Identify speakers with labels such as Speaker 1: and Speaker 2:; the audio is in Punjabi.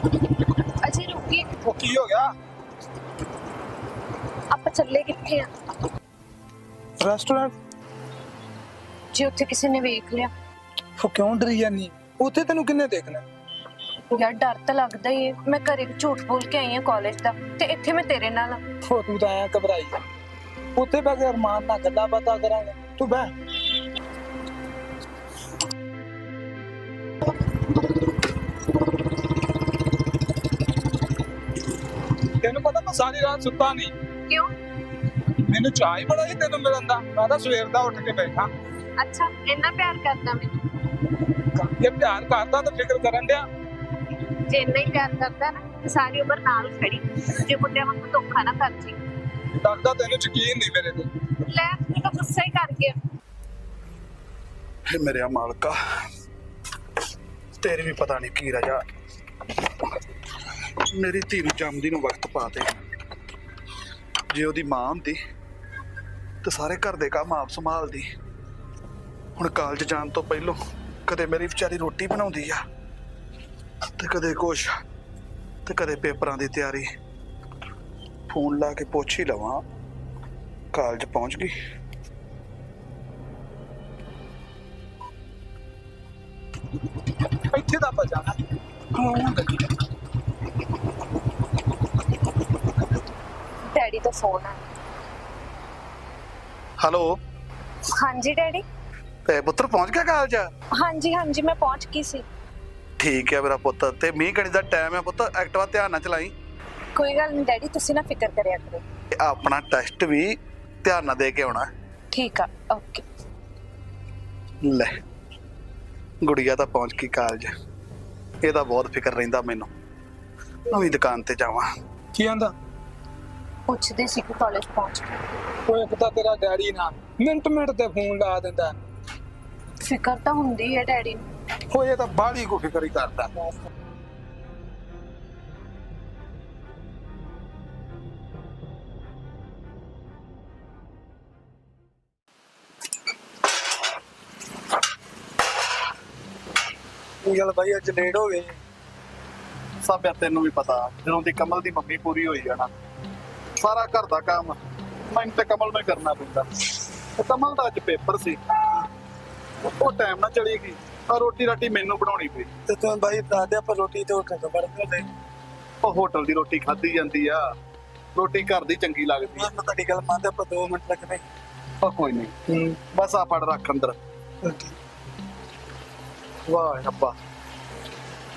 Speaker 1: अजय रुकिए,
Speaker 2: वो की हो गया?
Speaker 1: आप ਚੱਲੇ ਕਿੱਥੇ ਆ?
Speaker 2: रेस्टोरेंट?
Speaker 1: ਜੇ ਉੱਥੇ ਕਿਸੇ ਨੇ ਵੇਖ ਲਿਆ?
Speaker 2: वो क्यों डरी जानी? ਉੱਥੇ ਤੈਨੂੰ ਕਿੰਨੇ ਦੇਖਣਾ?
Speaker 1: ਯਾਰ ਡਰ ਤਾਂ ਲੱਗਦਾ ਹੀ ਹੈ। ਮੈਂ ਘਰੇ ਝੂਠ ਬੋਲ ਕੇ ਆਈ ਹਾਂ ਕਾਲਜ ਦਾ, ਤੇ ਇੱਥੇ ਮੈਂ ਤੇਰੇ ਨਾਲ ਆ।
Speaker 2: ਉਹ ਤੂੰ ਤਾਂ ਐਂ ਘਬਰਾਈ ਜਾ। ਉੱਥੇ ਬੈ ਕੇ ਅਰਮਾਨ ਨਾਲ ਗੱਲਾਂ ਬਾਤਾਂ ਕਰਾਂਗੇ। ਤੂੰ ਬਹਿ। ਤੈਨੂੰ ਪਤਾ ਮੈਂ ਸਾਰੀ ਰਾਤ ਸੁੱਤਾ ਨਹੀਂ।
Speaker 1: ਕਿਉਂ?
Speaker 2: ਮੈਨੂੰ ਚਾਹ ਹੀ ਬੜਾ ਹੀ ਤੈਨੂੰ ਮਿਲਣ ਦਾ। ਮੈਂ ਤਾਂ ਸਵੇਰ ਦਾ ਉੱਠ ਕੇ ਬੈਠਾ।
Speaker 1: ਅੱਛਾ, ਇੰਨਾ ਪਿਆਰ ਕਰਦਾ ਮੈਨੂੰ?
Speaker 2: ਜੇ ਪਿਆਰ ਕਰਦਾ ਤਾਂ ਫਿਕਰ ਕਰਨ ਡਿਆ।
Speaker 1: ਜੇ ਇੰਨਾ ਹੀ ਪਿਆਰ ਕਰਦਾ ਨਾ ਤੇ ਸਾਰੀ ਉਮਰ ਨਾਲ ਖੜੀ। ਜੇ ਮੁੰਡਿਆਂ ਵਾਂਗੂ ਧੋਖਾ ਨਾ ਕਰ ਜੀ।
Speaker 2: ਲੱਗਦਾ ਤੈਨੂੰ ਯਕੀਨ ਨਹੀਂ ਮੇਰੇ ਤੇ।
Speaker 1: ਲੈ ਤੂੰ ਤਾਂ ਗੁੱਸਾ ਹੀ ਕਰ ਗਿਆ।
Speaker 3: हे मेरे मालका, तेरे भी पता नहीं की रजा मेरी धी नूं जमदी नूं वक्त पा दे। जे ओदी मां हुंदी ते सारे घर दे काम आप संभालदी। हुण कॉलेज जाण तो पहलों कदे मेरी विचारी रोटी बनाउंदी आ ते कदे कुछ ते कदे पेपरां दी तैयारी। फोन ला के पुछ ही लवां कॉलेज पहुंच गई।
Speaker 2: ਇੱਥੇ ਦਾ ਆਪਾਂ ਜਾਣਾ।
Speaker 1: ਡੈਡੀ ਦਾ ਫੋਨ ਆ।
Speaker 3: हेलो,
Speaker 1: ਹਾਂਜੀ ਡੈਡੀ।
Speaker 3: ते पुत्र पहुंच गया कॉलेज?
Speaker 1: ਹਾਂਜੀ ਹਾਂਜੀ ਮੈਂ ਪਹੁੰਚ ਗਈ ਸੀ।
Speaker 3: ठीक है मेरा पुत। ते मीह कणी दा टाइम है पुत, एक्टिवा ध्यान नाल चलाई।
Speaker 1: ਕੋਈ ਗੱਲ ਨਹੀਂ ਡੈਡੀ, ਤੁਸੀਂ ਨਾ ਫਿਕਰ ਕਰਿਆ ਕਰੋ।
Speaker 3: ते अपना टेस्ट भी ध्यान नाल दे के आउणा।
Speaker 1: ਠੀਕ ਆ, ਓਕੇ।
Speaker 3: ले गुड़िया तो पहुंच गई कॉलेज। ਇਹਦਾ बहुत फिक्र रहिंदा मैनू। नवीं दुकान ते जावां।
Speaker 2: ਕੀ ਆਂਦਾ?
Speaker 1: ਪੁੱਛਦੇ ਸੀ ਕਿ ਕਾਲਜ ਪਹੁੰਚ ਗਏ।
Speaker 2: ਉਹ ਇੱਕ ਤਾਂ ਤੇਰਾ ਡੈਡੀ ਨਾ ਮਿੰਟ ਮਿੰਟ ਤੇ ਫੋਨ ਲਾ ਦਿੰਦਾ।
Speaker 1: ਫਿਕਰ ਤਾਂ ਹੁੰਦੀ ਹੈ ਡੈਡੀ ਨੂੰ।
Speaker 2: ਉਹ ਇਹ ਤਾਂ ਬਾਹਲੀ ਕੋ ਫਿਕਰ ਹੀ ਕਰਦਾ।
Speaker 3: ਇਹ ਗੱਲ ਬਾਈ ਅੱਜ ਲੇਟ ਹੋ ਗਈ। ਸਭ ਤੈਨੂੰ ਵੀ ਪਤਾ, ਜਦੋਂ ਦੀ ਕਮਲ ਦੀ ਮੰਮੀ ਪੂਰੀ ਹੋਈ ਆ ਨਾ, ਸਾਰਾ ਘਰ ਦਾ ਕੰਮ ਮੈਨੂੰ ਤੇ ਕਮਲ ਨੂੰ ਹੀ ਕਰਨਾ ਪੈਂਦਾ। ਤੇ ਕਮਲ ਦਾ ਅੱਜ ਪੇਪਰ ਸੀ, ਉਹ ਟਾਈਮ ਨਾਲ ਚਲੀ ਗਈ। ਆ ਰੋਟੀ ਰਾਟੀ ਮੈਨੂੰ ਬਣਾਉਣੀ ਪਈ।
Speaker 2: ਤੇ ਤੂੰ ਬਾਈ ਦਾਦੇ ਆਪਾਂ ਰੋਟੀ ਤੇ ਉੱਠ ਕੇ ਵੜਦੇ ਨੇ।
Speaker 3: ਉਹ ਹੋਟਲ ਦੀ ਰੋਟੀ ਖਾਧੀ ਜਾਂਦੀ ਆ, ਰੋਟੀ ਘਰ ਦੀ ਚੰਗੀ ਲੱਗਦੀ ਆ।
Speaker 2: ਮੈਂ ਤੁਹਾਡੀ ਗੱਲ ਮੰਨਦਾ, ਆਪਾਂ 2 ਮਿੰਟ ਲੱਗਣੇ।
Speaker 3: ਉਹ ਕੋਈ ਨਹੀਂ, ਬਸ ਆ ਫੜ ਰੱਖ ਅੰਦਰ। ਵਾਹ ਰੱਬਾ,